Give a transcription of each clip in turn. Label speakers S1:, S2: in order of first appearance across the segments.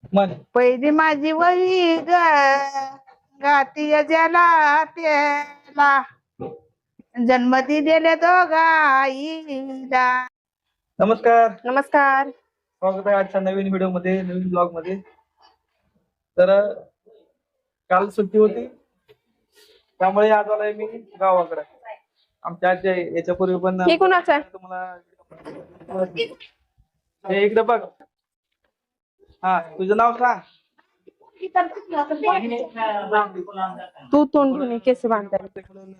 S1: म्हण.
S2: पहिली माझी वही ग गाती ज्याला त्याला जन्म दिलेल्या दोघा आईला.
S1: नमस्कार,
S3: नमस्कार.
S1: स्वागत आहे आजच्या नवीन व्हिडिओ मध्ये, नवीन ब्लॉग मध्ये. तर काल सुट्टी होती त्यामुळे आज आलोय मी गावाकडे. आमच्या आजी याच्यापूर्वी पण
S3: हे कोणाचं आहे?
S1: तुम्हाला हे इकडे बघ. हा, तुझं नाव सांग.
S3: तू तोंड धुणे केस बांधायला.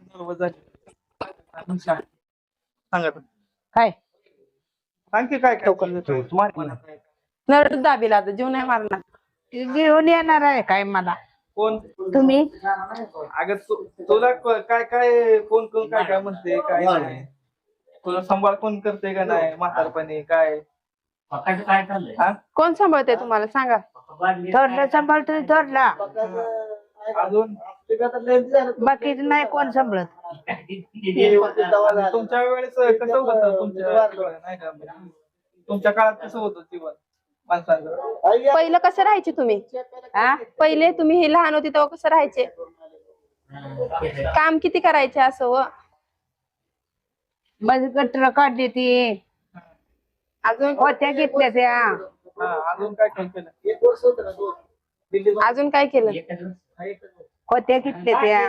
S1: सांगा
S2: काय
S1: सांग की काय काय
S3: नरड दाबीला आता जीव नाही मारणार.
S2: घेऊन येणार आहे काय मला
S1: कोण
S2: तुम्ही?
S1: अगं तुला काय काय कोण कोण काय काय म्हणते काय नाही, तुला सांभाळ कोण करते का नाही म्हातारपणी काय? हा?
S3: कोण सांभाळते तुम्हाला सांगा?
S2: थोरला सांभाळतोय थोरला,
S1: अजून
S2: बाकीच नाही कोण सांभाळत.
S1: तुमच्या वेळेस कसं होतं? नाही का तुमच्या काळात कसं होतं जीवन माणसाचं?
S3: पहिलं कसं राहायचे तुम्ही?
S2: हा
S3: पहिले तुम्ही हे लहान होते तेव्हा कसं राहायचे? काम किती करायचे असं व?
S2: माझी गटर काढली ती,
S3: अजून
S2: होत्या घेतल्या त्या.
S1: अजून काय काय केलं?
S3: अजून काय केलं?
S2: होत्या घेतल्या त्या.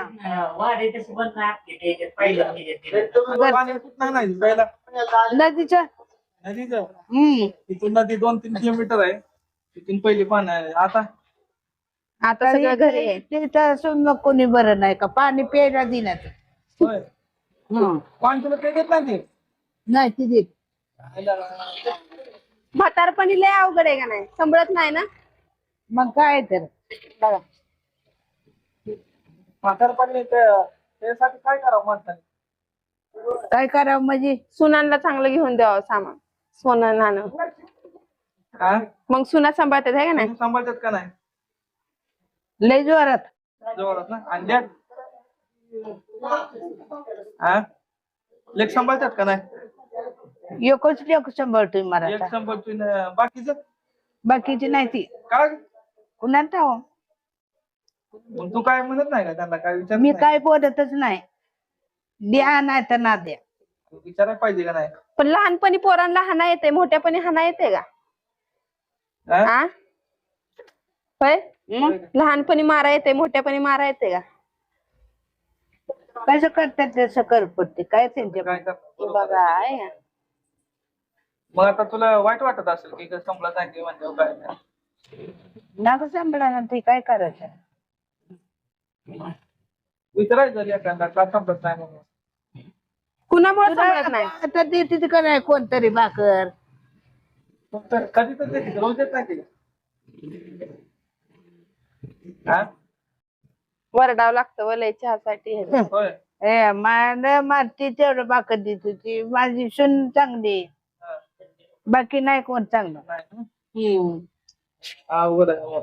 S1: पाणी कुठं नाही प्यायला?
S2: नदीच्या
S1: नदीचं
S2: हम्म
S1: इथून नदी 2-3 किलोमीटर आहे, तिथून पहिली पाणी आहे. आता
S3: आता सगळं घरी आहे.
S2: तिथं असून मग कोणी बरं नाही का पाणी प्यायला दिनात.
S1: होय, पाणी तुला काही देत नाही ते?
S2: नाही ती देत.
S3: म्हातारपणी लय अवघड आहे का नाही? सांभाळत नाही ना
S2: मग काय तर
S3: बघा.
S1: म्हातारपणी त्यासाठी काय करावं माणसाने?
S2: काय करावं म्हणजे
S3: सुनांना चांगलं घेऊन द्यावं सामान, सोनं नाणं.
S1: हा?
S3: मग सुना सांभाळतात आहे का नाही?
S1: तुम्ही सांभाळतात का नाही?
S2: लय जोरात.
S1: जोरात ना. आणि लेक? हा, लेक सांभाळतात का नाही?
S2: एकच लेक सांभाळतोय
S1: लेक
S2: मला,
S1: सांभाळतोय ना, बाकीचं
S2: बाकीची नाही ती.
S1: काय?
S2: कुणाला ठाव?
S1: मग तू काय म्हणत नाही का त्यांना? काय विचार
S2: मी काय बोलतच नाही. द्या नाही तर ना द्या.
S1: विचारायला पाहिजे का नाही?
S3: पण लहानपणी पोरांना हाना येते, मोठ्यापणी हाना येते का?
S1: हा?
S3: आ होय,
S2: मग
S3: लहानपणी मारा येते, मोठ्यापणी मारा येते का?
S2: कसं करतात तसं कर पडते काय त्यांच्या.
S1: काय करणार?
S3: बघा आहे का?
S1: मग आता तुला वाईट वाटत असेल की संपलं नाही म्हणजे काय नाही.
S2: नाक सांभाळा ते काय करायचं.
S1: विचारायचं एखादा का संपत नाही म्हणून.
S3: कुणामुळे सांभाळत नाही?
S2: आता देते का नाही कोणतरी भाकर.
S1: तर कधी तर देते, रोज देत नाही ते. हा?
S3: वरडावं लागतं वलय चहासाठी.
S1: होय.
S2: ए मला मारती तेवढं भाकर देत होती माझी सून चांगली,
S1: हा.
S2: बाकी नाही कोण चांगलं.
S1: नाही ना?
S2: हम्म.
S1: अवघड आहे.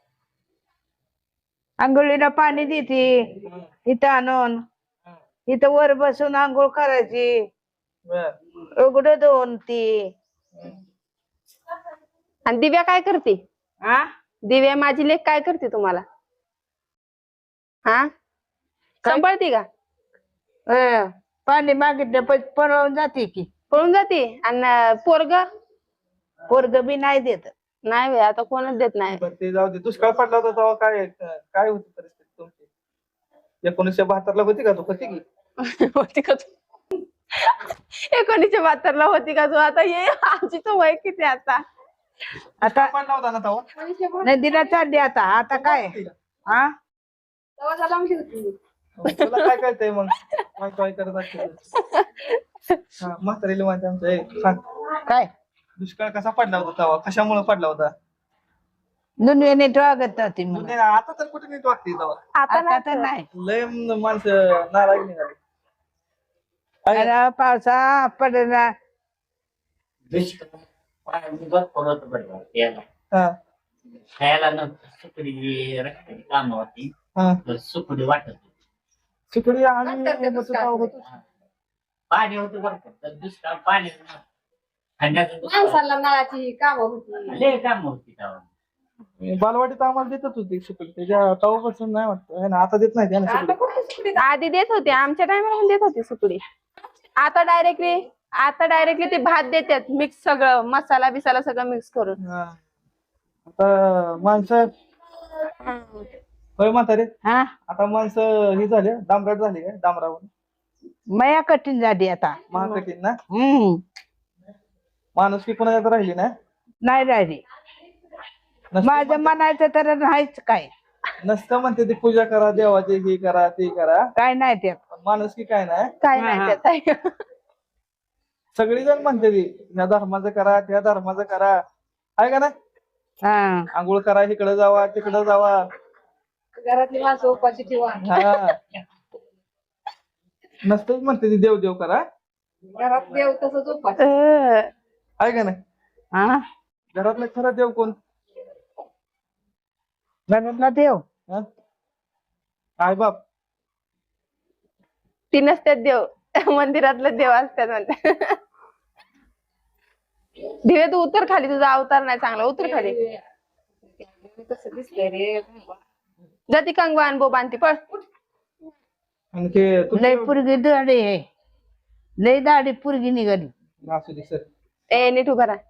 S2: आंघोळीला पाणी देते इथं आणून, इथं वर बसून आंघोळ करायची,
S1: बरं.
S2: उघड धुवून ती.
S3: आणि दिव्या काय करते?
S2: हा
S3: दिव्या माझी लेक काय करते तुम्हाला? हा, सांभाळते का?
S2: पाणी मागितलं पण पळवून जाते की.
S3: पळून जाते. आणि पोरग
S2: पोरग बी नाही देत.
S3: नाही बाई, आता कोणच देत नाही.
S1: बरं, ते जाऊ दे. दुष्काळ पडला होता तेव्हा काय काय होती परिस्थिती तुमची? 1972 ला होती का? तू होती की?
S3: होती का तू? 1972 ला होती का तू? आता ये आमची तर वय किती आता?
S1: आता पडला होता ना तेव्हा?
S2: नदीला चालली आता. आता काय हा
S1: तुला काय कळतंय मग? काय करत असते? म्हातारीला माझ्या आमच्या सांग,
S2: काय
S1: दुष्काळ कसा पडला होता तेव्हा? कशामुळे पडला होता?
S2: दुनियेने वागत नव्हती म्हणून.
S1: म्हणजे आता तर कुठे नीट वाटते तेव्हा?
S2: आता तर नाही.
S1: लय माणसं नाराज निघाली.
S2: अरे पावसा पडला.
S1: हा.
S4: खायला न सुकडी रस्त्याची काम होती,
S1: हा.
S4: तर सुकडी वाटत होती.
S1: सुकडी आणि होतो.
S4: पाणी होतं बरं का, तर दुष्काळ पाणी नव्हतं. खाण्याचं दुष्काळ.
S3: माणसाला नळाची काम होती.
S4: लय काम होती तेव्हा.
S1: बालवाडीत आम्हाला देतच होती सुकडी, त्याच्या तवापासून नाही वाटतं है ना, आता देत नाही त्याने सुकडी.
S3: आधी देत होते, आमच्या टायमाला पण देत होते सुकडी. आता डायरेक्टली ते भात देतात मिक्स, सगळं मसाला बिसाला सगळं मिक्स करून.
S1: हा. आता माणसं होय म्हातारे,
S2: हा
S1: आता माणसं ही झाले डांबराट झाली काय, डांबरावर
S2: मया कठीण झाली आता.
S1: महाकठीण ना. माणूस की कोणाच्यात राहिली ना.
S2: नाही राहिली. माझं म्हणायचं तर नाहीच काय.
S1: नसतं म्हणते ती पूजा करा देवाची, हे करा ते करा,
S2: काय नाही ते.
S1: माणूस की काय नाही.
S3: काय
S2: हा,
S3: नाही त्यात.
S1: सगळी जण म्हणते ती या धर्माचं करा त्या धर्माचं करा, आहे का ना.
S2: हा
S1: आंघोळ करा, इकडे जावा तिकडे जावा,
S5: घरातली माणसं उपाशी ठेवा.
S1: हा. नसतंच म्हणते ती देव देव करा,
S5: घरात देव तसंच उपाशी.
S1: आहे का नाही.
S2: हा
S1: घरातलं खरं देव कोण.
S2: घरातला देव
S1: हा? आई बाप.
S3: ती नसतात देव, मंदिरातलं देव असतात म्हणतात. दिवे तू उतर खाली, तुझा अवतार नाही चांगला, उतर खाली.
S5: तसं दिसतंय रे.
S3: जाती कंगवान बोबांती पळ.
S1: आणि ते
S2: लय पुरगी दाढी आहे, लय दाढी पुरगी निघाली.
S1: असू दे सर.
S3: ए नीट उभा राहा.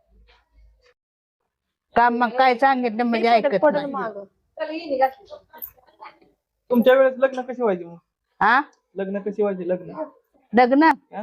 S2: काम मग काय सांगितलं म्हणजे ऐकत
S3: पडल
S2: नाही.
S3: मागं.
S5: चल हिने घातली.
S1: तुमच्या वेळेस लग्न कशी व्हायची मग.
S2: हा
S1: लग्न कशी व्हायची लग्न.
S2: लग्न
S1: हा?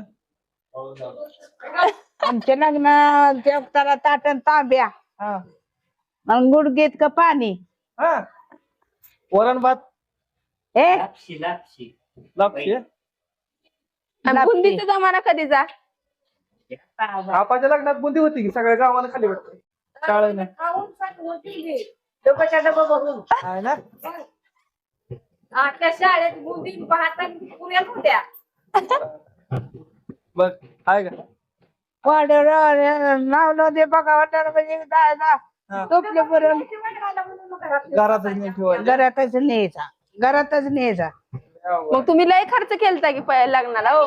S2: आमच्या लग्न त्याला ताटण तांब्या
S1: हा.
S2: मग गुडघेत का पाणी.
S1: हा. वरण भात
S2: ए
S4: लापशी लापशी
S1: लापशी.
S3: आणि बुंदीचा जमाना कधी जा.
S1: आपाच्या लग्नात बुंदी होती की सगळ्या गावाला खाली वाटतं शाळेनं.
S5: खाऊन सांगून दिली. डोक्याच्या डबा बघून.
S1: आहे ना.
S5: त्या शाळेत बुंदी पाहता पुऱ्याच होत्या.
S1: बघ आहे का.
S2: नाव दे बघा वाटणार म्हणजे जायला
S1: हा.
S2: झोपले बरं
S1: घरातच नाही ठेवायचं.
S2: घरातच न्यायचा, घरातच न्यायचा.
S3: मग तुम्ही लय खर्च केलता की लग्नाला हो.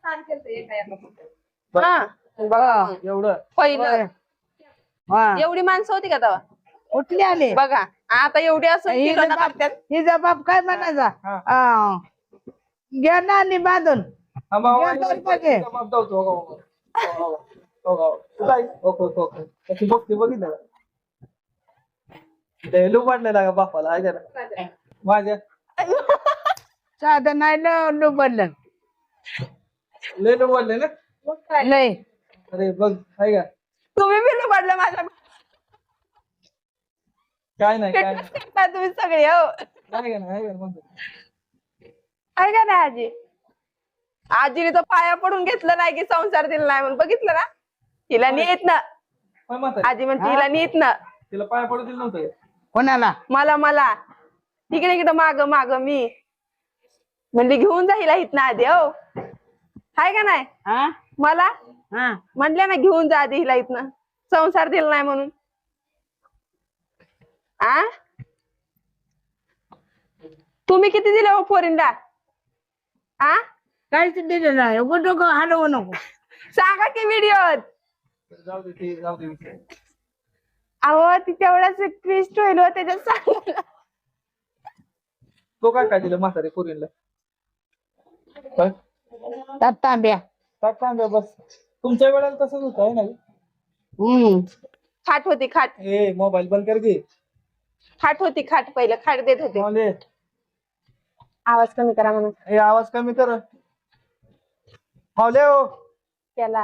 S3: हा बघा
S1: एवढं
S3: पहिलं
S2: हा
S3: एवढी माणसं होती का तेव्हा.
S2: कुठले आले
S3: बघा आता एवढी असं
S2: हिचा
S3: किलोनं
S2: बाप-
S3: करतात.
S2: हिचा बाप काय म्हणायचा
S1: हा.
S2: हा. घ्या ना आणि बांधून
S1: हा, भाऊ,
S2: घ्या दोन पाके.
S1: बाप धावतो. हो, हो, हो, हो, हो, हो. कुठं आहे? हो, हो, हो, हो. त्याची बघते बघितलं का? ते लुबाडलेला का बापाला आहे का ना? माझ्या
S2: साधं नाही लुबडलं
S1: लय लुबाडले ना.
S2: लय.
S1: अरे बघ आहे का.
S3: तुम्ही बिल पडलं माझ्या.
S1: काय नाही काय नाही.
S3: करता तुम्ही सगळे हो.
S1: आहे का नाही आहे का म्हणतो.
S3: आहे का नाही आजी. आजीने तर पाया पडून घेतलं नाही की संसार दिला नाही म्हणून, बघितलं ना. तिला नीत ना
S1: होय म्हातारी.
S3: आजी म्हणते तिला नीत ना.
S1: तिला पाया पडू दिलं नव्हतं.
S2: कोणाला
S3: मला इकडे इकडे माग मी म्हणली घेऊन जा हिला इथनं आधी हो. हाय का नाही.
S2: हा
S3: मला
S2: हा
S3: म्हणल्या ना घेऊन जा आधी हिला इथनं, संसार दिला नाही म्हणून. आ तुम्ही किती दिले हो पोरींला. आ
S2: काहीच दिलं नाही. उगं डोकं हलवू नको.
S3: सांगा की व्हिडिओत.
S1: जाऊ दे ते जाऊ दे विषय.
S3: अहो ती तेवढाच ट्विस्ट होईल हो त्याच्यात सांगा.
S1: तो काय दिलं म्हातारे पोरींला. काय
S2: त्यात तांब्या.
S1: टाक सांगा बस. तुमच्या वेळेला तसंच होतं आहे ना.
S3: खाट होती खाट.
S1: ए मोबाईल बंद कर घे.
S3: खाट होती खाट, पहिलं खाट देत होते.
S1: मावले,
S3: आवाज कमी करा म्हणून
S1: ए आवाज कमी कर. मावले हो.
S3: त्याला.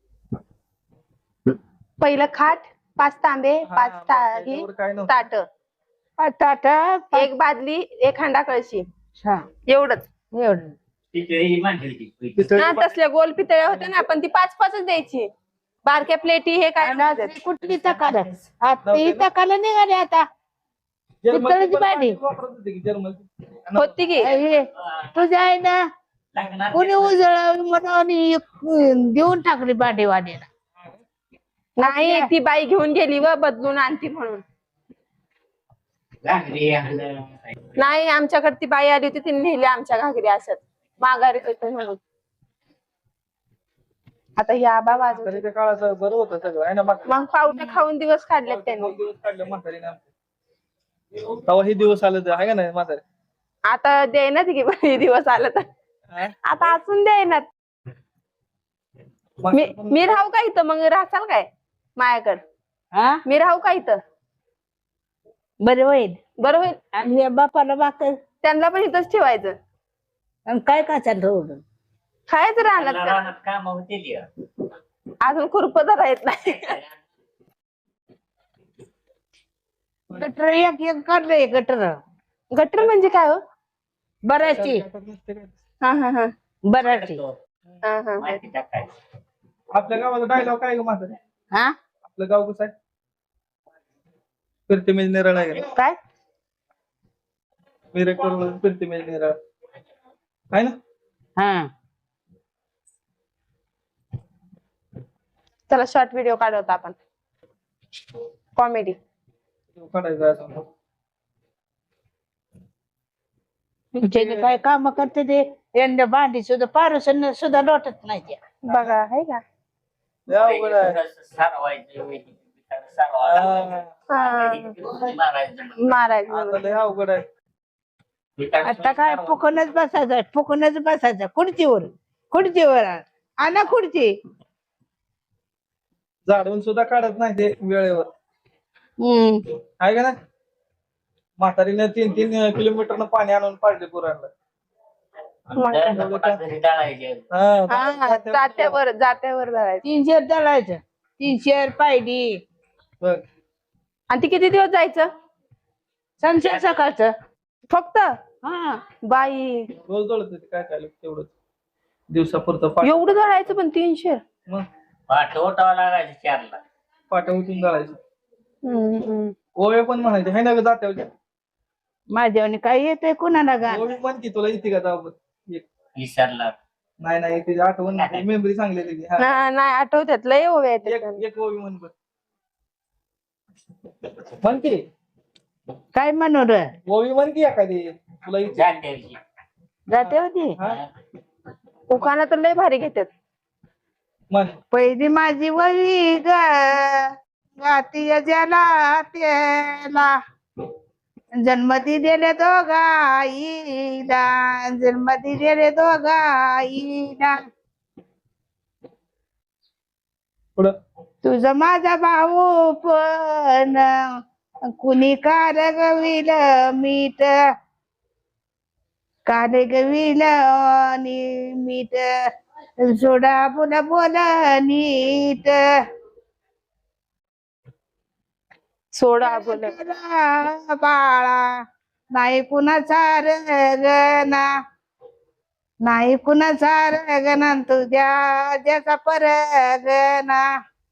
S3: पहिलं खाट, 5 तांबे,
S1: हा,
S3: 5
S1: बस, त्याच्यावर काय नव्हतं.
S3: ताट,
S2: ताट
S3: एक बादली, एक हांडा कळशी,
S2: हा
S3: एवढंच.
S2: एवढं
S4: तिथे मांडली ती
S1: पितळी
S3: हा तसल्या गोल पितळ्या होत्या ना, पण ती 5-5च द्यायची. बारक्या प्लेटी हे काय
S2: आणि आज कुठली तकाल आता ही तकाल निघाली आता.
S1: जर्मनची
S2: पितळीची
S1: पण
S2: भांडी.
S1: वापरत होते की जर्मनची.
S3: होती की.
S2: हे तुझ्या आहे ना
S4: लागणार
S2: कोणी उजळ म्हणून देऊन टाकली भांडेवाडीला.
S3: नाही ती बाई घेऊन गेली व बदलून आणती म्हणून.
S4: घागरी आणलं.
S3: नाही आमच्याकडे ती बाई आली होती, तिने नेली आमच्या घागरी असत माघारी होते म्हणून. आता या आबा वाजवते.
S1: तरी त्या काळाचं बरं होतं सगळं आहे ना. म्हातारी.
S3: मग पावट्या खाऊन दिवस काढलेत त्यांनी.
S1: 9 दिवस काढले म्हातारीने. तेव्हा हे दिवस आले तर आहे का नाही म्हातारे?
S3: आता देईनात की हे दिवस आलं तर
S1: हा?
S3: आता असून देईनात. मी राहू का इथं मग राहसाल काय माझ्याकडं?
S2: हा
S3: मी राहू का इथं?
S2: बरं होईल.
S3: बरं होईल.
S2: आणि या बापाला भाकर
S3: त्यांना पण इथंच ठेवायचं.
S2: आणि काय काचाल ठेवलं
S3: खायचं राहणार
S4: त्यांना रानात काम होतील या.
S3: अजून खुरप धरा येत नाही.
S2: गटर एक एक काढलंय गटर
S3: गटर म्हणजे काय हो?
S2: बराची
S3: हा हा हा
S2: बराची
S3: हा हा
S4: माहिती टाकायचं.
S1: आपल्या गावाचा डायलॉग काय ग म्हातारे?
S2: हा
S1: आपलं गाव कसं आहे? फिरते म्हणजे निराळ आहे का?
S2: काय
S1: मिरज फिरते म्हणजे निराळ आहे ना?
S2: हा
S3: चला शॉर्ट व्हिडिओ काढवत आपण कॉमेडी.
S1: काढायचं असं.
S2: त्याने काय काम करते ते यंदा भांडी सुद्धा पारुसन सुद्धा लोटत नाही त्या
S3: बघा आहे का?
S1: लय अवघड आहे.
S4: थोडंसं सारवायचं, सारवायचं.
S3: हा.
S4: मारायचं.
S3: मारायचं
S1: आता
S3: म्हणून.
S1: लय अवघड आहे.
S2: आता काय फुकूनच बसायचं खुर्चीवर आणा खुर्ची
S1: झाडून सुद्धा काढत नाही ते वेळेवर आहे का ना? म्हातारीने 3-3 किलोमीटर पाणी आणून पाडले पुराणला.
S4: घरी डाळायचे.
S3: हा जात्यावर धरायचं.
S2: 3 शेर दळायचं 3 शेर पायडी
S1: बघ
S3: आणि ती किती दिवस जायचं
S2: संशय सकाळचं
S3: फक्त?
S2: हा
S3: बाई
S1: रोज दळत होते काय काय लोक तेवढंच दिवसापुरतं पाठ
S3: एवढं धरायचं पण 300?
S1: मग
S4: पाठ ओटावं लागायचं 4ला.
S1: पाट्या उठून दळायचं. ओवे पण म्हणायचे है ना ग जात्यावर?
S2: माझ्यावानी काय येतंय कुणाला गाणं
S1: ओवी म्हण की तुला येते का जावं?
S4: विसरला.
S1: नाही तिची आठवण मेमरी चांगली आहे तिची. हा.
S3: नाही आठवत्यात लय ओव्या
S1: एक
S3: येतात.
S1: एक ओवी म्हण बघ. म्हण की
S2: काय म्हणू र
S1: ओवी म्हण की एखादी तुला येते.
S4: जात्याची.
S2: जाते होती
S1: हा?
S3: उखाणा तर लय भारी घेतात.
S1: म्हण.
S2: पहिली माझी वही ग गाती ज्याला त्याला जन्म दिलेले दोघाईला जन्म दिलेले दोघाईला
S1: पुढं
S2: तुझा माझा भाऊ पण कुणी कारगविल मीठ कारगविल आणि मीठ सोडा बोला बोला नीट
S3: सोडा बोल
S2: बाळा नाही कुणाचा रगना नाही कुणाचा रगना तुझ्या ज्याचा परगना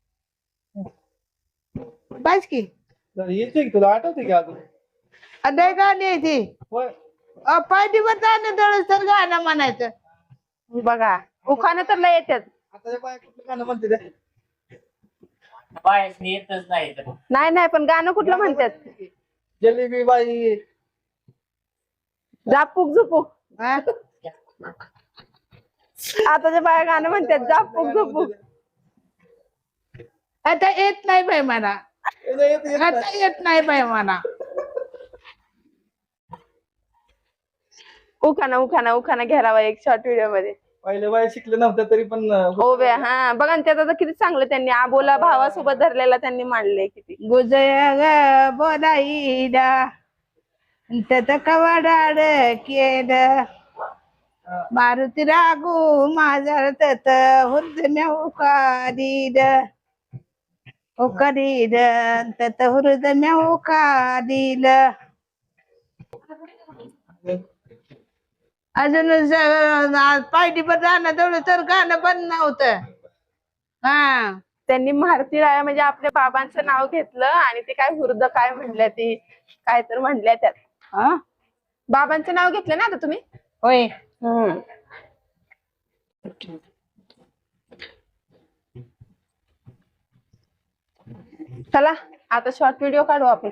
S2: बस की
S1: येते की तुला आठवते की अजून?
S2: अदय गाणी ती
S1: होय.
S2: पाठीवर जाणं दळस तर गाणं म्हणायचं
S3: बघा उखाणा तर लय येतात.
S1: आता बाय कुठलं गाणं म्हणते ते?
S4: बायसनी येतच नाही तर.
S3: नाही पण गाणं कुठलं म्हणतात?
S1: जलेबी बाई
S3: जापूक झुपूक.
S2: हा?
S3: आताच्या बाया गाणं म्हणतात जापूक झुपूक.
S2: आता येत नाही बाई मला आता येत नाही बाई मला
S3: उखाणा घ्यावा एक शॉर्ट व्हिडिओ मध्ये.
S1: पहिले बाय शिकले नव्हते तरी पण
S3: ओव्या हा बघा ना त्यात आता किती चांगलं त्यांनी आबोला भावासोबत धरलेला त्यांनी मांडले किती.
S2: गुजया ग बोलाईला त्यात कवाडाड केलं मारुती रागू माझा तत हुर्दम्या उकाडील तत हुर्दम्या उकाडील अजून पायटी पर जाणं तेवढं तर गाणं पण नव्हतं हा
S3: त्यांनी मारुती राया म्हणजे आपल्या बाबांचं नाव घेतलं आणि ते काय हुर्द काय म्हणल्या ती काय तर म्हणल्या त्यात.
S2: हा
S3: बाबांचं नाव घेतलं ना आता तुम्ही?
S2: होय
S3: चला आता शॉर्ट व्हिडिओ काढू आपण.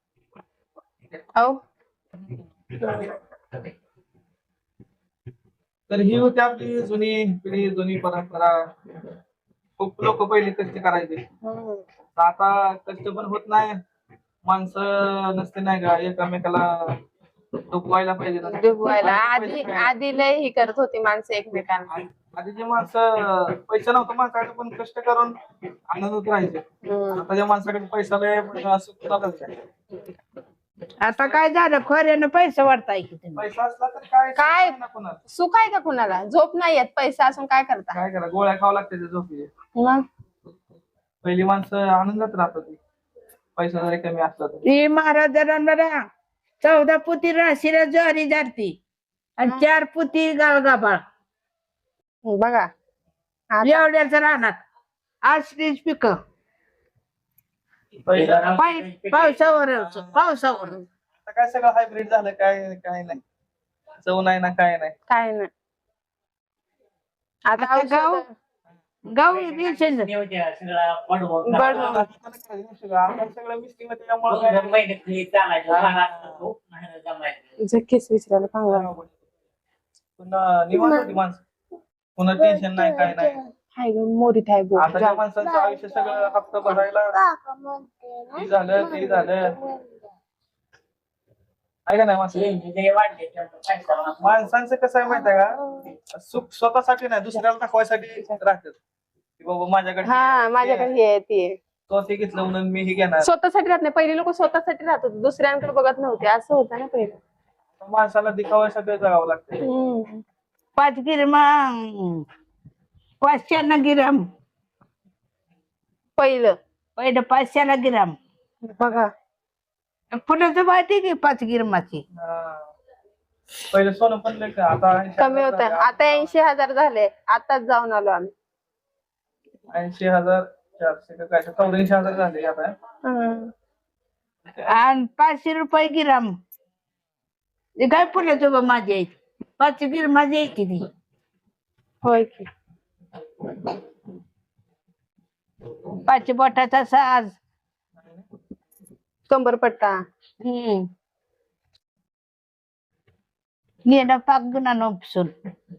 S1: तर ही होती आपली जुनी पिढी जुनी परंपरा. खूप लोक पहिले कष्ट करायचे. आता कष्ट पण होत नाही माणसं नसते नाही का एकमेकाला डुबवायला पाहिजे ना.
S3: डुबवायला
S1: पैसे काय?
S3: आधी लय ही करत होती माणसं एकमेकांना.
S1: आधीचे माणसं पैसा नव्हता माणसाकडे पण कष्ट करून आनंदात राहायचे. आताच्या माणसाकडे पैसा लय पण असं कुणालाच नाही.
S2: आता काय झालं खोऱ्यानं पैसे वाढताय की तुम्ही
S1: पैसा असला तर काय
S3: काय?
S1: ना कुणाला
S3: सुख आहे का कुणाला? झोप नाही येत, पैसा असून काय करता?
S1: काय करा गोळ्या खावं लागते त्या झोपीचे.
S3: मग
S1: पहिली माणसं आनंदात राहत होती पैसा जरी कमी असला तर.
S2: ही महाराजांना 14 पुती राशीला ज्वारी जाती आणि 4 पुती गाळगाबाळ
S3: बघा आता
S2: एवढ्याच राहणार असलीच पिक पावसावर
S1: आता काय सगळं हायब्रिड झालं. काय काय नाही चव नाही ना काय नाही.
S3: काय नाही आता
S2: आता गाव
S3: औषधं-
S2: गाव दिवसेच
S4: सगळा पडवून
S3: बड-
S1: आता सगळं मिस्टिंग त्यामुळे काय
S4: महिन्यात घरी चालायचं नाही जमायचं.
S3: झक्कीच विचारायला पांगला.
S1: पुन्हा निवांत होती माणसं. पुन्हा टेन्शन नाही काय नाही.
S3: हाय ग मोरीत आहे बो.
S1: आताच्या माणसांचं आयुष्य सगळं हप्ता भरायला हे झालं ते झालं. आहे का नाही माणसं.
S4: लय वाढले त्यामुळे पैसा
S1: माणसांचं कसं आहे माहिती आहे का सुख स्वतःसाठी नाही दुसऱ्याला दाखवायसाठी राहतात की बाबा माझ्याकडे
S3: हा माझ्याकडे हे आहे ते.
S1: तो ते घेतलं म्हणून मी हे घेणार.
S3: स्वतःसाठी राहत नाही. पहिली लोक स्वतःसाठी राहत होते, दुसऱ्यांकडे बघत नव्हते. असं होतं ना पहिलं.
S1: माणसाला दिखावायसाठी जगावं लागतं.
S2: 5 गिरमा 500 गिराम
S3: पहिलं
S2: पहिलं 500 गिराम
S3: बघा
S2: फुलाचं माहिती की 5 गिरमाची
S1: पहिले सोनं पण लय का आता
S3: कमी होत. आता 80,000 झाले. आताच जाऊन आलो आम्ही.
S1: 80,400 का काय 84,000 झाले आता.
S3: हम्म.
S2: आणि 500 रुपये गिराम ते काय फुलाचं बा माझी आहे 5 गिरमाची आहे किती
S3: होय की
S2: 5 बोटाचा साज
S3: कंबरपट्टा.
S2: गेला पाक गुन्हा नोपसून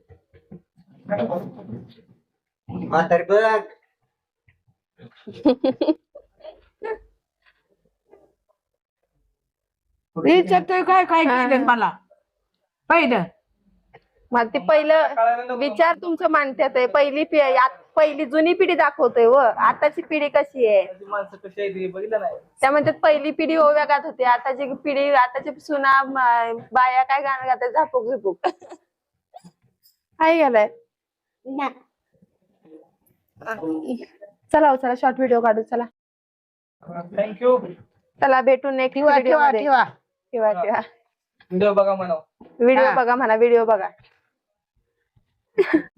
S2: विचारतोय काय काय केलं मला पहिलं
S3: मग ते पहिलं विचार तुमचं मानत्यात आहे. पहिली जुनी पिढी दाखवतोय व आताची पिढी कशी आहे.
S1: माणसं कशी आहे ते बघितलं नाही.
S3: त्या म्हणतात पहिली पिढी ओव्या गात होती, आताची पिढी आताची सुना बाया काय गाणं गातात झापूक झुपूक. आहे गेलाय. चला चला शॉर्ट व्हिडिओ काढू. चला
S1: थँक्यू.
S3: चला भेटू नेक्स्ट
S2: ठेवा
S3: व्हिडिओ
S2: ठेवा
S3: मध्ये.
S2: ठेवा
S3: ठेवा ठेवा.
S1: व्हिडिओ बघा म्हणा.
S3: व्हिडिओ बघा म्हणा. व्हिडिओ बघा.